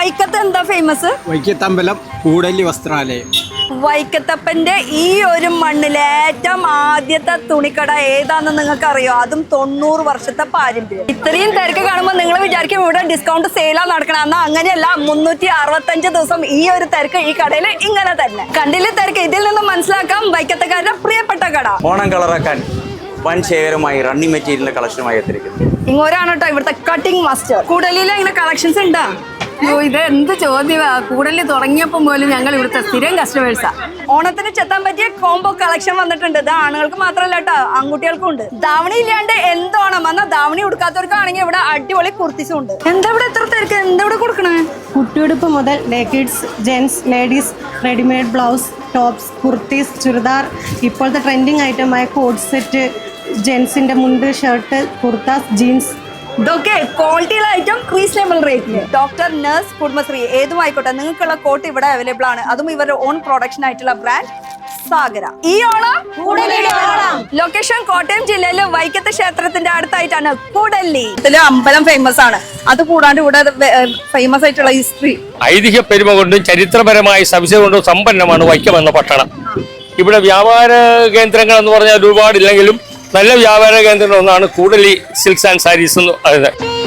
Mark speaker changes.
Speaker 1: വൈക്കത്ത് എന്താ ഫേമസ്?
Speaker 2: വൈക്കത്തമ്പലം കൂടല്ലി വസ്ത്രാലയം.
Speaker 1: വൈക്കത്തപ്പന്റെ ഈ ഒരു മണ്ണിലെ ഏറ്റവും ആദ്യത്തെ തുണിക്കട ഏതാണെന്ന് നിങ്ങൾക്ക് അറിയോ? അതും 90 വർഷത്തെ പാരമ്പര്യം. ഇത്രയും തിരക്ക് കാണുമ്പോൾ നിങ്ങൾ വിചാരിക്കും ഇവിടെ ഡിസ്കൗണ്ട് സെയിലാ നടക്കണം. എന്നാൽ അങ്ങനെയല്ല, 365 ദിവസം ഈ ഒരു തിരക്ക് ഈ കടയിൽ ഇങ്ങനെ തന്നെ. കണ്ടില്ലേ തിരക്ക്? ഇതിൽ നിന്ന് മനസ്സിലാക്കാം വൈക്കത്തക്കാരുടെ പ്രിയപ്പെട്ട കട.
Speaker 3: ഓണം കളറാക്കാൻ വൻ ശേഖരമായി റണ്ണിങ് മെറ്റീരിയലിന്റെ കളക്ഷനുമായി എത്തിയിരിക്കുന്നു.
Speaker 1: ഇങ്ങോട്ടാണ് കേട്ടോ ഇവിടുത്തെ കട്ടിംഗ് മാസ്റ്റർ. കൂടലിൽ ഇങ്ങനെ കളക്ഷൻസ് ഉണ്ടാ?
Speaker 4: ഇത് എന്ത് ചോദ്യമാ! കൂടലിൽ തുടങ്ങിയപ്പോൾ പോലും ഞങ്ങൾ ഇവിടുത്തെ സ്ഥിരം കസ്റ്റമേഴ്സാ.
Speaker 1: ഓണത്തിന് ചെത്താൻ പറ്റിയ കോംബോ കളക്ഷൻ വന്നിട്ടുണ്ട്. ഇത് ആണുങ്ങൾക്ക് മാത്രമല്ല കേട്ടോ, ആൺകുട്ടികൾക്കും ഉണ്ട്. ധാവണി ഇല്ലാണ്ട് എന്തോണം വന്നാൽ ധാവണി ഉടുക്കാത്തവർക്കാണെങ്കിൽ ഇവിടെ അടിപൊളി കുർത്തീസും ഉണ്ട്. എന്താ ഇവിടെ എത്ര തിരക്ക്? എന്താ ഇവിടെ കൊടുക്കണേ?
Speaker 5: കുട്ടിയുടുപ്പ് മുതൽ kids, gents, ladies, readymade blouse, tops, kurtis, churidar, ഇപ്പോഴത്തെ ട്രെൻഡിങ് ഐറ്റമായ കോഡ് സെറ്റ്, ജെൻസിന്റെ മുണ്ട്, ഷർട്ട്, കുർത്താസ്, ജീൻസ്,
Speaker 1: ഇതൊക്കെ ക്വാളിറ്റിയുള്ള ഐറ്റം റീസണബിൾ റേറ്റില്. ഡോക്ടർ, നഴ്സ്, കുടുംബശ്രീ ഏതുമായിക്കോട്ടെ, നിങ്ങൾക്കുള്ള കോട്ട് ഇവിടെ അവൈലബിൾ ആണ്. അതും ഇവരുടെ ഓൺ പ്രൊഡക്ഷൻ ആയിട്ടുള്ള ബ്രാൻഡ് സാഗര. ഈ ഓണം ലൊക്കേഷൻ കോട്ടയം ജില്ലയിലെ വൈക്കത്ത് ക്ഷേത്രത്തിന്റെ അടുത്തായിട്ടാണ് കൂടല്ലി. ഇതില് അമ്പലം ഫേമസ് ആണ്. അത് കൂടാണ്ട് ഇവിടെ ഫേമസ് ആയിട്ടുള്ള ഹിസ്റ്ററി,
Speaker 6: ഐതിഹ്യ പെരുമ കൊണ്ടും ചരിത്രപരമായ സവിശേഷത കൊണ്ടും സമ്പന്നമാണ് വൈക്കം എന്ന പട്ടണം. ഇവിടെ വ്യാപാര കേന്ദ്രങ്ങൾ എന്ന് പറഞ്ഞാൽ ഒരുപാടില്ലെങ്കിലും നല്ല വ്യാപാര കേന്ദ്രങ്ങൾ ഒന്നാണ് കൂടല്ലി സിൽക്സ് ആൻഡ് സാരീസ് എന്ന് പറയുന്നത്.